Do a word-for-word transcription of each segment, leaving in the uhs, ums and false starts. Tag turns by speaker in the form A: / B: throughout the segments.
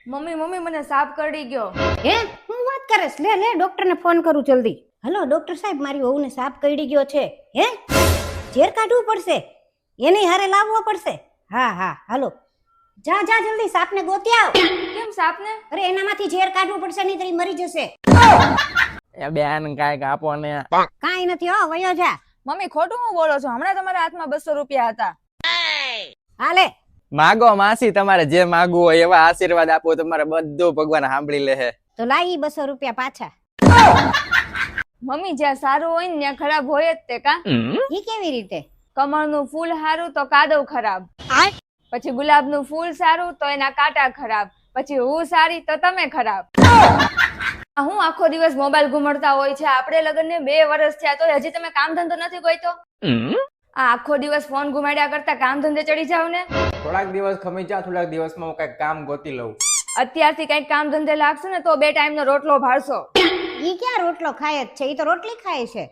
A: Mummy mummy મને સાપ કરડી ગયો.
B: હે હું વાત કરેસ? લે લે ડોક્ટર ને ફોન કરું જલ્દી. હલો ડોક્ટર સાહેબ, મારી વહુને સાપ કરડી ગયો છે. હે ઝેર કાઢવું પડશે, એને હારે લાવવો પડશે. હા હા હાલો, જા જા જલ્દી સાપને ગોતી આવ.
A: કેમ સાપને?
B: અરે એનામાંથી ઝેર કાઢવું પડશે, નહીં તો મરી જશે.
C: એ બેન કાંઈક આપો ને.
B: કાંઈ નથી હો, વયો જા.
A: મમ્મી ખોટું હું બોલો છો? હમણાં તમારા હાથમાં બસો રૂપિયા હતા.
B: હાલે
C: માગો માસી, તમારે જે માગવું હોય એવા આશીર્વાદ આપો, તમારે બધું ભગવાન સાંભળી લે.
B: તો લાઈ બસો રૂપિયા પાછા.
A: મમ્મી જ્યાં સારું હોય ને ત્યાં ખરાબ હોય જ તે કા?
B: ઈ કેવી રીતે?
A: કમળનું ફૂલ સારું તો કાદવ ખરાબ, પછી ગુલાબનું ફૂલ સારું તો એના કાંટા ખરાબ, પછી હું સારી તો તમે ખરાબ. હું આખો દિવસ મોબાઈલ ઘુમાડતા હોય છે, આપણે લગ્નને બે વર્ષ થયા તો હજી તમે કામ ધંધો નથી ગોઈતો? આ આખો દિવસ ફોન ઘુમાડ્યા કરતા કામ ધંધે ચડી જાવ ને.
C: થોડાક દિવસ ખમી જા, થોડાક દિવસમાં હું કઈક કામ ગોતી લઉં.
A: અત્યારથી કઈક કામ ધંધે લાગશે ને તો બે ટાઈમ નો રોટલો ભાળશો.
B: ઈ ક્યાં રોટલો ખાય જ છે? ઈ તો રોટલી ખાય છે.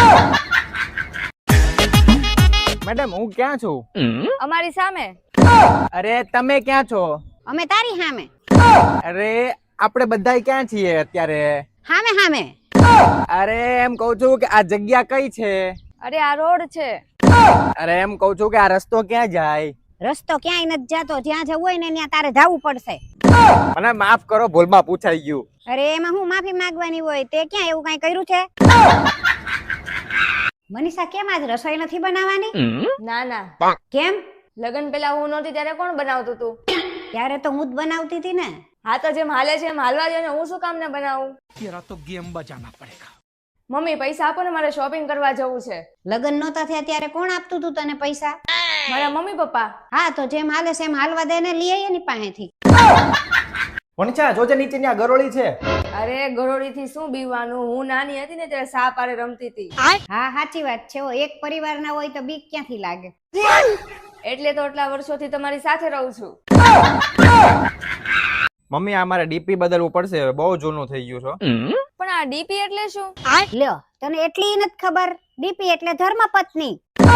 C: મેડમ હું ક્યાં છું?
A: અમારી સામે.
C: અરે તમે ક્યાં છો?
B: અમે તારી સામે.
C: અરે આપણે બધા ક્યાં છીએ અત્યારે?
B: સામે સામે.
C: અરે એમ કઉ છું કે આ જગ્યા કઈ છે?
A: અરે આ રોડ છે.
C: અરે એમ કઉ છું કે આ રસ્તો ક્યાં જાય?
B: રસ્તો ક્યાંય નથી જાતો, જ્યાં જવું હોય ને ત્યાં તારે જવું પડશે.
C: મને માફ કરો, ભૂલમાં પૂછાઈ ગયું.
B: અરે એમાં હું માફી માંગવાની હોય? તે ક્યાં એવું કઈ કર્યું છે? મનીષા કેમ આજ રસોઈ નથી બનાવવાની?
A: ના ના.
B: કેમ?
A: લગન પેલા હું નહોતી ત્યારે કોણ બનાવતું તું?
B: ત્યારે તો હું જ બનાવતી હતી ને.
A: હા તો જેમ હાલે છે એમ હાલવા દે ને, હું શું કામ ને બનાવું?
D: तेरा तो गेम बजाना पड़ेगा.
A: મમ્મી પૈસા આપો ને, મારે શોપિંગ કરવા જવું છે.
B: લગન નહોતા થયા ત્યારે કોણ આપતું તું તને પૈસા?
A: મારા મમ્મી પપ્પા.
B: હા તો જેમ હાલે છે એમ હાલવા દે ને, લઈ આવીએ એની પાસેથી.
C: વણછા જોજે નીચે ત્યાં ગરોળી છે.
A: અરે ગરોળી થી શું બીવાનું? હું નાની હતી ને ત્યારે સાપ આરે રમતી હતી.
B: હા સાચી વાત છે. એક પરિવાર ના હોય તો બીક ક્યાંથી લાગે?
A: એટલે તો આટલા વર્ષોથી તમારી સાથે રહું છું.
C: મમ્મી આ મારે ડીપી બદલવું પડશે, બહુ જૂનું થઈ ગયું છે.
A: પણ આ ડીપી એટલે શું?
B: લ્યો તને એટલી નથી ખબર? ડીપી એટલે ધર્મપત્ની.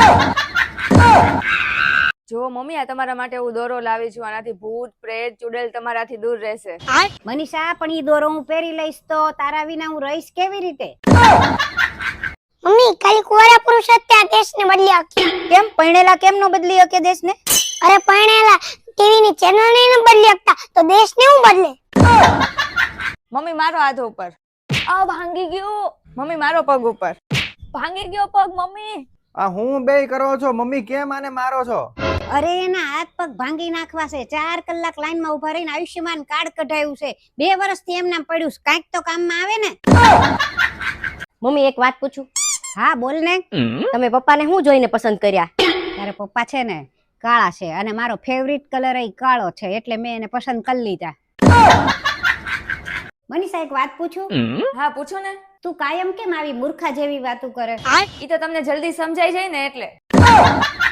A: જો મમ્મી આ તમારા માટે હું દોરો લાવી છું, આનાથી ભૂત પ્રેત ચુડેલ તમારાથી દૂર રહેશે.
B: મનીષા પણ ઈ દોરો હું પહેરી લઈશ તો તારા વિના હું રહીશ કેવી રીતે?
E: મમ્મી ખાલી કુંવારા પુરુષ જ ત્યાં દેશને બદલી શકે.
B: કેમ પરણેલા કેમ નો બદલી શકે દેશને?
E: અરે પરણેલા ટીવી ની ચેનલ ને ન બદલી શકતા તો દેશને હું બદલે?
A: મમ્મી મારો હાથ ઉપર. આ ભાંગી ગયો. મમ્મી મારો પગ ઉપર. ભાંગી ગયો પગ મમ્મી.
C: આ હું બે કરો છો મમ્મી, કેમ આને મારો છો?
B: અરે એના હાથ પગ ભાંગી નાખવા છે. ચાર કલાક લાઈન માં ઉભા રહીને આયુષ્યમાન કાર્ડ કઢાયું છે. બે વર્ષથી એમ નામ પડ્યું છે, કાંઈક તો કામમાં આવે ને.
F: મમ્મી એક વાત પૂછું?
B: હા બોલ ને.
F: તમે પપ્પાને શું જોઈને પસંદ કર્યા?
B: તારા પપ્પા છે ને કાળા છે અને મારો ફેવરિટ કલર એ કાળો છે, એટલે મેં એને પસંદ કરી લીધા. મનીષા એક વાત પૂછું?
A: હા પૂછો ને.
B: તું કાયમ કેમ આવી મૂર્ખા જેવી વાતો કરે?
A: ઈ તો તમને જલ્દી સમજાઈ જાય ને એટલે.